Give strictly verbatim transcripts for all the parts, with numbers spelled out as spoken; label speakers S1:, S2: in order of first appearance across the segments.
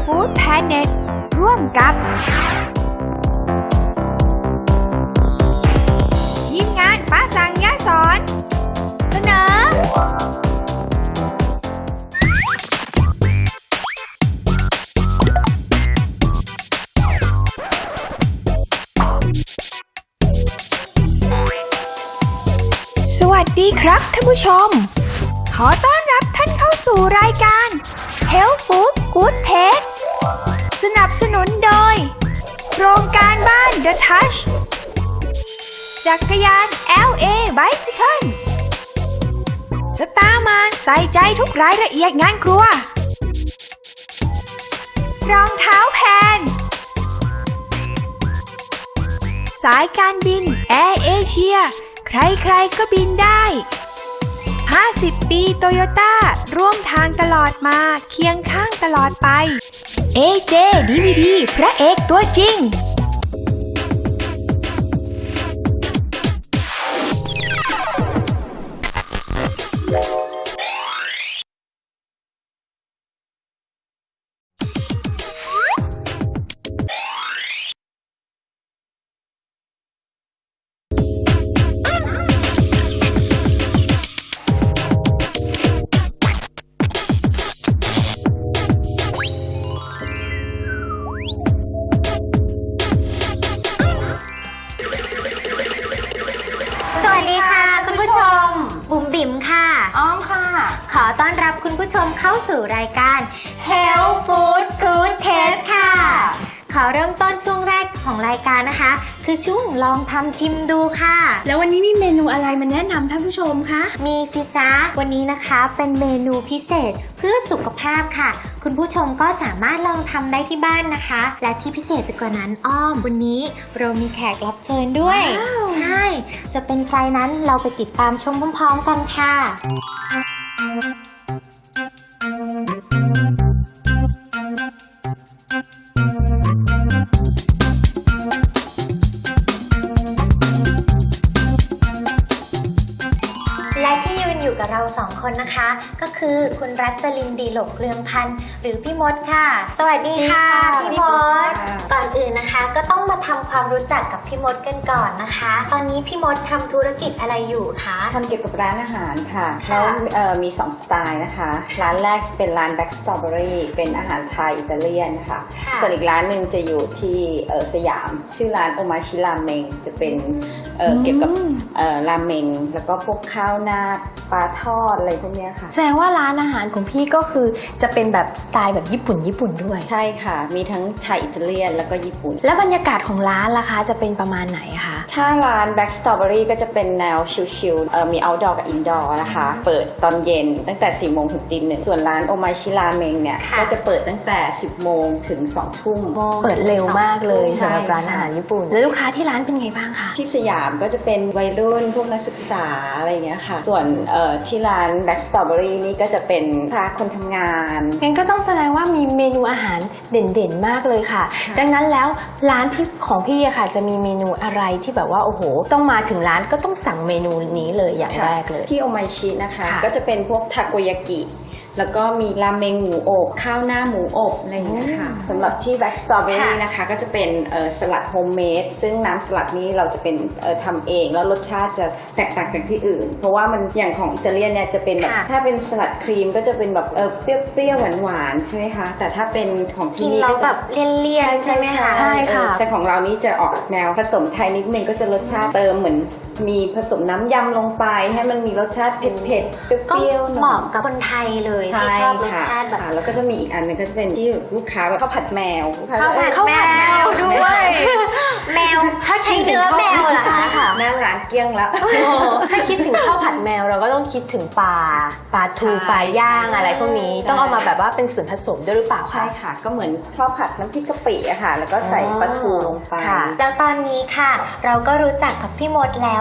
S1: Food Planet ร่วมกับทีมงานป้าสั่งยาสอนเสนอสวัสดีครับท่านผู้ชมขอต้อนรับท่านเข้าสู่รายการ Health Food Good Taste สนับสนุนโดยโครงการบ้าน The Touch จักรยาน แอล เอ Bicycle สตาร์มานใส่ใจทุกรายละเอียดงานครัวรองเท้าแพนสายการบินแอร์เอเชียใครๆก็บินได้ห้าสิบปีโตโยต้าร่วมทางตลอดมาเคียงข้างตลอดไป เอ เจ ดี วี ดี พระเอกตัวจริง
S2: บุ๋มบิ๋มค่ะอ้อมค่ะขอต้อนรับคุณผู้ชมเข้าสู่รายการ Health Food Good Taste ค่ะขอเริ่มต้นช่วงแรกของรายการนะคะคือช่วงลองทำชิมดูค่ะ
S1: แล้ววันนี้มีเมนูอะไรมาแนะนำท่านผู้ชมคะ
S2: มีสิจ๊ะวันนี้นะคะเป็นเมนูพิเศษเพื่อสุขภาพค่ะคุณผู้ชมก็สามารถลองทำได้ที่บ้านนะคะและที่พิเศษไปกว่านั้นอ้อมวันนี้เรามีแขกรับเชิญด้วยใช่จะเป็นใครนั้นเราไปติดตามชมพร้อมๆกันค่ะและที่ยืนอยู่กับเราสองคนนะคะก็คือคุณรัศลินดีหลกเรืองพันธ์หรือพี่มดค่ะสวัสดีค่ะพี่มดก่อนอื่นนะคะก็ต้องมาทำความรู้จักกับพี่มดกันก่อนนะคะตอนนี้พี่มดทำธุรกิจอะไรอยู่คะ
S3: ทำเกี่ยวกับร้านอาหารค่ะแล้วมีสองสไตล์นะคะร้านแรกจะเป็นร้าน Black Strawberry เป็นอาหารไทยอิตาเลียนนะคะส่วนอีกร้านหนึ่งจะอยู่ที่สยามชื่อร้านโอมาชิราเมงจะเป็นเกี่ยวกับราเมงแล้วก็พวกข้าวหน้าปลาทอดอะไรพวกนี้ค่ะ
S1: แสดงว่าร้านอาหารของพี่ก็คือจะเป็นแบบสไตล์แบบญี่ปุ่นญี่ปุ่นด้วย
S3: ใช่ค่ะมีทั้งไทยอิตาเลียนแล้วก็ญี่ปุ่น
S1: แล้วบรรยากาศของร้านล่ะคะจะเป็นประมาณไหนคะ
S3: ถ้าร้าน Black Strawberry ก็จะเป็นแนวชิลๆมี outdoor กับ indoor นะคะเปิดตอนเย็นตั้งแต่สี่โมงถึงตีหนึ่งส่วนร้านโอมาชิราเมงเนี่ยก็จะเปิดตั้งแต่สิบโมงถึงสองทุ่ม
S1: เปิดเร็วมากเลยสำหรับร้านอาหารญี่ปุ่นแล้วลูกค้าที่ร้านเป็นไงบ้างคะ
S3: ที่สยามก็จะเป็นวัยรุ่นพวกนักศึกษาอะไรอย่างเงี้ยค่ะส่วนที่ร้าน Black Strawberry นี่ก็จะเป็นพาคนทำงาน
S1: งั้นก็ต้องแสดงว่ามีเมนูอาหารเด่นๆมากเลยค่ะดังนั้นแล้วร้านที่ของพี่อะค่ะจะมีเมนูอะไรที่แบบว่าโอ้โหต้องมาถึงร้านก็ต้องสั่งเมนูนี้เลยอย่างแรกเลย
S3: ที่โอมาชินะคะก็จะเป็นพวกทาโกยากิแล้วก็มีราเมงหมูอบข้าวหน้าหมูอบอะไรอย่างเงี้ยค่ะสำหรับที่ Black Strawberry นะคะก็จะเป็นสลัดโฮมเมดซึ่งน้ำสลัดนี้เราจะเป็นทำเองแล้วรสชาติจะแตกต่างจากที่อื่นเพราะว่ามันอย่างของอิตาเลียนเนี่ยจะเป็นแบบถ้าเป็นสลัดครีมก็จะเป็นแบบเปรี้ยวๆหวานๆใช่ไหมคะแต่ถ้าเป็นของที่นี่
S2: ก็จะแบบเลี่ยนๆใช่ไหมคะ
S1: ใช่ค่ะ
S3: แต่ของเรานี้จะออกแนวผสมไทยนิดนึงก็จะรสชาติเติมเหมือนมีผสมน้ำยำลงไปให้มันมีรสชาติเผ็ดๆเปรี้ยวๆ
S2: เหมาะกับคนไทยเลยที่ชอบรสชาติแบบ
S3: แล้วก็จะมีอีกอันนึงก็จะเป็นที่ลูกค้าแบบข้าวผัดแมว
S2: ข้าวผัดแมวด้วยแมวถ้าใช้เนื้อแมวเหรอคะ
S3: หน้าร้านเกี้ยงแล้ว
S1: ถ้าคิดถึงข้าวผัดแมวเราก็ต้องคิดถึงปลาปลาทูปลาย่างอะไรพวกนี้ต้องเอามาแบบว่าเป็นส่วนผสมด้วยหรือเปล่า
S3: ใช่ค่ะก็เหมือนข้าวผัดน้ำพริกกะปิอะค่ะแล้วก็ใส่ปลาทูลงไป
S2: แล้วตอนนี้ค่ะเราก็รู้จักกับพี่มดแล้ว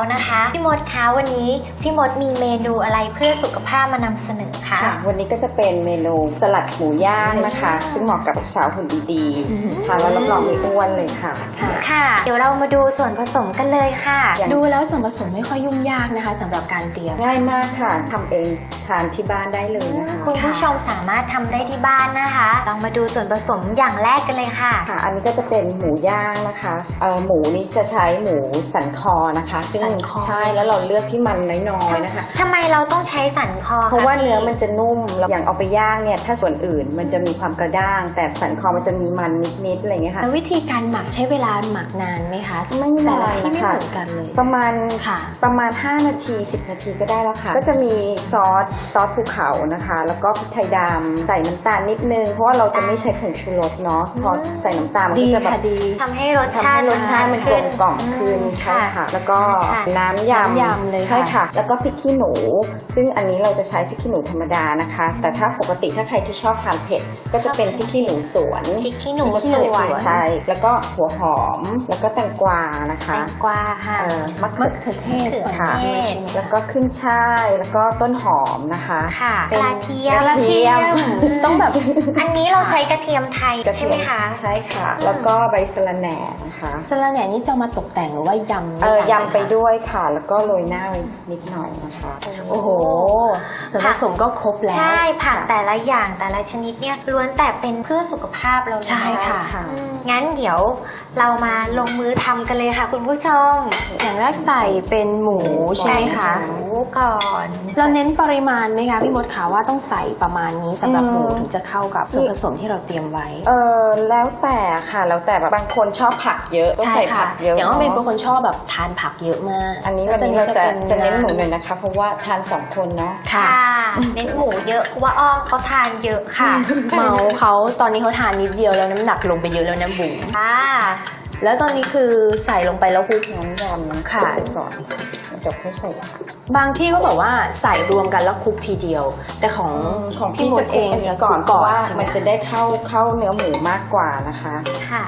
S2: นะคะพี่มดคะวันนี้พี่มดมีเมนูอะไรเพื่อสุขภาพมานำเสนอคะ
S3: ค่ะวันนี้ก็จะเป็นเมนูสลัดหมูย่างนะคะ ซึ่งเหมาะกับสาวหุ่นดีๆทานแล้วรับรองไม่อ้วนเลยค่ะ
S2: ค่ะ เดี๋ยวเรามาดูส่วนผสมกันเลยค่ะ
S1: ดูแล้วส่วนผสมไม่ค่อยยุ่งยากนะคะสำหรับการเตรียม
S3: ง่ายมากค่ะทำเองทานที่บ้านได้เลยนะคะ
S2: คุณผู้ชมสามารถทำได้ที่บ้านนะคะลองมาดูส่วนผสมอย่างแรกกันเลยค่ะ
S3: ค่ะอันนี้ก็จะเป็นหมูย่างนะคะเอ่อหมูนี่จะใช้หมูสันคอนะคะซึ่ง
S1: สันคอ
S3: ใช่แล้วเราเลือกที่มันน้อยๆนะคะ
S2: ทำไมเราต้องใช้สันคอค
S3: เพราะว่า
S2: พี่
S3: เนื้อมันจะนุ่มแล้วอย่างเอาไปย่างเนี่ยถ้าส่วนอื่นมันจะมีความกระด้าง แต่สันคอมันจะมีมันนิดๆอะไรอย่างเงี้ยค่ะ
S1: แล้ววิธีการหมักใช้เวลาหมักนานไหมคะ
S3: ไม่
S1: แต่
S3: นาน
S1: ละที่ไม่
S3: นะคะ
S1: เหมือนกันเลย
S3: ประมาณ
S1: ค่ะ
S3: ประมาณห้านาทีสิบนาทีก็ได้แล้วค่ะก็จะมีซอสซอสภูเขานะคะ แล้วก็พริกไทยดำใส่น้ำตาลนิดนึงเพราะว่าเราจะไม่ใช้ผงชูรสเนาะพอใส่น้ำตาลมัน
S1: ดี
S3: ก็จะแบบ
S1: ค่ะดี
S2: ทำให้รส
S3: ทำ
S2: ชา
S3: ให้
S2: ติ
S3: รสชาติมันกลมกล่อมขึ้น
S2: อืม
S3: ใช่ค่ะ แล้วก็
S2: ค่ะ
S3: น้ำยำ
S1: น้ำยำเลยค่ะ
S3: ใช่ค่ะ แล้วก็พริกขี้หนู ซึ่งอันนี้เราจะใช้พริกขี้หนูธรรมดานะคะ แต่ถ้าปกติถ้าใครที่ชอบทานเผ็ดก็จะเป็นพริกขี้หนูสวน
S2: พริกขี้หนู
S3: พริกขี้
S2: สวน
S3: ใช่แล้วก็หัวหอมแล้วก็แตงกวานะคะ
S2: แตงกวาค่ะ
S3: เอ่อมะ
S1: มะ
S3: เขื
S1: เขื
S3: อ
S1: อเทศ
S3: ค่ะ
S2: มะเขือเทศ
S3: แล้วก็ขึ้นช่ายแล้วก็ต้นหอมนะคะ
S2: ค่ะ
S1: เป็น
S2: กระเทียม
S3: กระเทียม
S1: ต้องแบบ
S2: อันนี้เราใช้กระเทียมไทย
S3: กระ
S2: ใช่
S3: เทีย
S2: ไหมคะ
S3: ใช่ค่ะ แล้วก็ใบสะระแหน่นะคะ
S1: สลัดแหน่นี่จะมาตกแต่งหรือว่ายำ
S3: เออ
S1: นี่คะ
S3: ยำไปด้วยค่ะ แล้วก็โรยหน้าไว้นิดหน่อยนะคะ
S1: โอ้โห ส่วนผสมก็ครบแล้ว
S2: ใช่ผักแต่ละอย่างแต่ละชนิดเนี่ยล้วนแต่เป็นเพื่อสุขภาพเราเลย
S1: ใช่ค่ะ
S2: อืมงั้นเดี๋ยวเรามาลงมือทำกันเลยค่ะคุณผู้ชม
S1: อย่างแรกใส่เป็นหมูใช่ไหมคะ
S2: หมูก่อน
S1: เราเน้นปริมาณไหมคะพี่มดขาว่าต้องใส่ประมาณนี้สำหรับ
S3: อืม
S1: หมูถึงจะเข้ากับส่วนผสมที่เราเตรียมไว้
S3: เออแล้วแต่ค่ะ แล้วแต่แบบบางคนชอบผักเยอะก็
S1: ใช่
S3: ใส่
S1: ค่ะ
S3: ผักเยอะ
S1: อย่างว่าเป็น
S3: เนาะ
S1: คนชอบแบบทานผักเยอะมาก
S3: อันนี้
S1: แล้ว
S3: วันนี้เราจะ
S1: ป็
S3: จะเน้นหมูหน่อยนะคะ เพราะว่าทานสองคนเนาะ
S1: ค่ะ
S2: เน้นหมูเยอะเพราะว่าอ้อมเขาทานเยอะค่ะ
S1: เมาเขาตอนนี้เขาทานนิดเดียวแล้วน้ำหนักลงไปเยอะแล้วนะบุ๋ม
S2: ค่ะ
S1: แล้วตอนนี้คือใส่ลงไปแล้วคลุก
S3: น้ำยำ
S1: ค่ะ
S3: ไปก่อนเดี๋ยวค่อยใส่ผัก
S1: บางที่ก็บอกว่าใส่รวมกันแล้วคลุกทีเดียว แต่ของ
S3: ของ
S1: พี่
S3: พี่
S1: ม
S3: จะ
S1: ด
S3: ค
S1: เอ
S3: ลุก
S1: ง
S3: อัน
S1: จะ
S3: นี้ก่อน
S1: คลุ
S3: เพราะว่า
S1: ใช่ไหม
S3: มันจะได้เข้าเข้าเนื้อหมูมากกว่านะคะ
S2: ค่ะ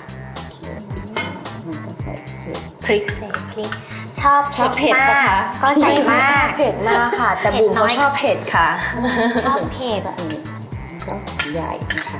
S3: มันก็ใส่เผ็ด
S1: พริก
S2: ใส่พริกชอบ
S3: ชอบเผ็ด
S2: มาก
S3: ปะคะ
S2: ก็ใส่มาก
S1: เผ็ดมากค่ะ แต่บุ๋มเขาชอบเผ็ดค่ะ
S2: ชอบเผ็ด
S3: ก็อันนี้ก็ใหญ่นะคะ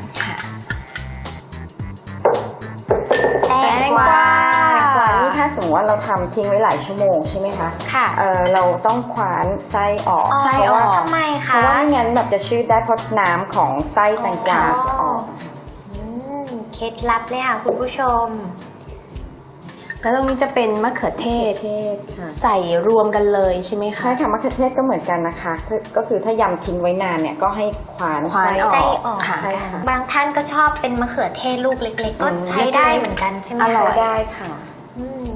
S2: แตงกวา
S3: แตงกวานี่ถ้าสมมติว่าเราทำทิ้งไว้หลายชั่วโมงใช่ไหมคะ
S2: ค่ะ
S3: เออเราต้องคว้านไส้ออก
S1: ไส้
S3: เพราะว่า
S2: ทำไม
S3: เพ
S2: คะ
S3: ราะว่าไม่งั้นแบบจะชืดได้เพราะน้ำของไส้แตงกวาจะออก
S2: อืมเคล็ดลับเลยค่ะคุณผู้ชม
S1: แล้วตรงนี้จะเป็นมะเขือเทศ
S3: เทศค่ะ
S1: ใส่รวมกันเลยใช่ไหมคะ
S3: ใช่ค่ะมะเขือเทศก็เหมือนกันนะคะ ก็คือถ้ายำทิ้งไว้นานเนี่ยก็ให้คว้าน
S1: คว้าน
S3: ไส้อ
S2: ไส้
S3: อก
S2: ออก
S1: ค่ะ
S3: ใช่ค่ะ
S2: บางท่านก็ชอบเป็นมะเขือเทศลูกเล็ก ๆ ก็
S3: อืม
S2: ใช้ได้เหมือนกันใช่ไหม
S1: อร่
S2: คะ
S1: อย
S3: ได้ค่ะ
S2: อืม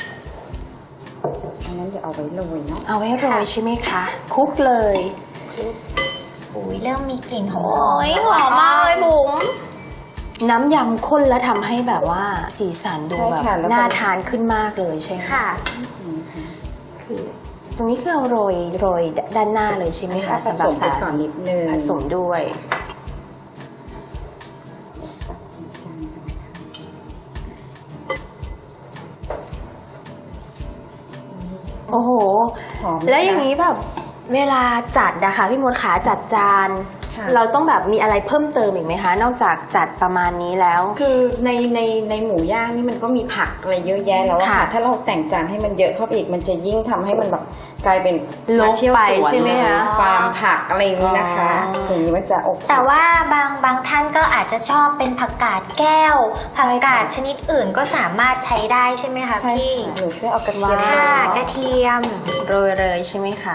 S3: อันนั้นเดี๋ยวเอาไว้โรยเนาะ
S1: เอาไว้โรยใช่ไหมคะคลุกเลย
S2: อุ้ยเริ่มมีกลิ่นหอ
S1: โอ้ยหอมมากเลยบุ๋มน้ำยำข้นแล้วทำให้แบบว่าสีสันดู
S3: ใช่
S1: แบบ
S3: ค่ะแล้วก็
S1: น่าทานขึ้นมากเลยใช่ไหม
S2: ค่ะ
S1: คือตรงนี้คือเอาโรยโรยด้านหน้าเลยใช่ไหมคะ
S3: ผ
S1: สำห
S3: ส
S1: รับ
S3: มไป
S1: สาร
S3: ก่อนนิดนึง
S1: ผสมด้วย โอ้โห
S3: หอม
S1: แล้วอย่างนี้แบบเวลาจัดนะคะพี่มดขาจัดจาน
S3: ค่ะ
S1: เราต้องแบบมีอะไรเพิ่มเติมอีกไหมคะ นอกจากจัดประมาณนี้แล้ว
S3: คือในในในหมูย่างนี่มันก็มีผักอะไรเยอะแยะแล้วอะค่ะ
S1: ค่ะ
S3: ถ้าเราแต่งจานให้มันเยอะเข้าไปอีกมันจะยิ่งทำให้มันแบบกลายเป็น
S1: รก
S3: มาเที่ยว
S1: ไป
S3: สวน
S1: ใช่ไหมคะ
S3: ฟาร์มผักอะไรอย่างนี้นะคะ
S1: อ๋อ
S3: อย่างนี้มันจะโอเค
S2: แต่ว่าบางบางท่านก็อาจจะชอบเป็นผักกาดแก้ว ผักกาดชนิดอื่นก็สามารถใช้ได้ใช่ไหมคะ
S3: ใช่
S2: พี่
S3: ค่ะหนูช่วยเอากระเทียม
S2: ค่ะ
S3: เนาะ
S2: กระเทียม
S1: โรยเลยใช่ไหมคะ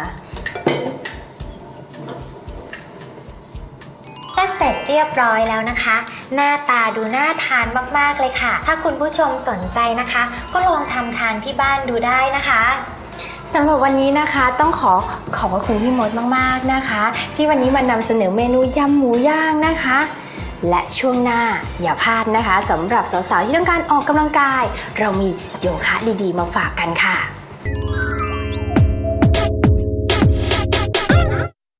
S2: ถ้าเสร็จเรียบร้อยแล้วนะคะ หน้าตาดูน่าทานมากๆเลยค่ะ ถ้าคุณผู้ชมสนใจนะคะ ก็ลองทำทานที่บ้านดูได้นะคะ
S1: สำหรับวันนี้นะคะต้องขอขอบพระคุณพี่มดมากๆนะคะ ที่วันนี้มานำเสนอเมนูยำหมูย่างนะคะ และช่วงหน้าอย่าพลาดนะคะสำหรับสาวๆที่ต้องการออกกำลังกาย เรามีโยคะดีๆมาฝากกันค่ะ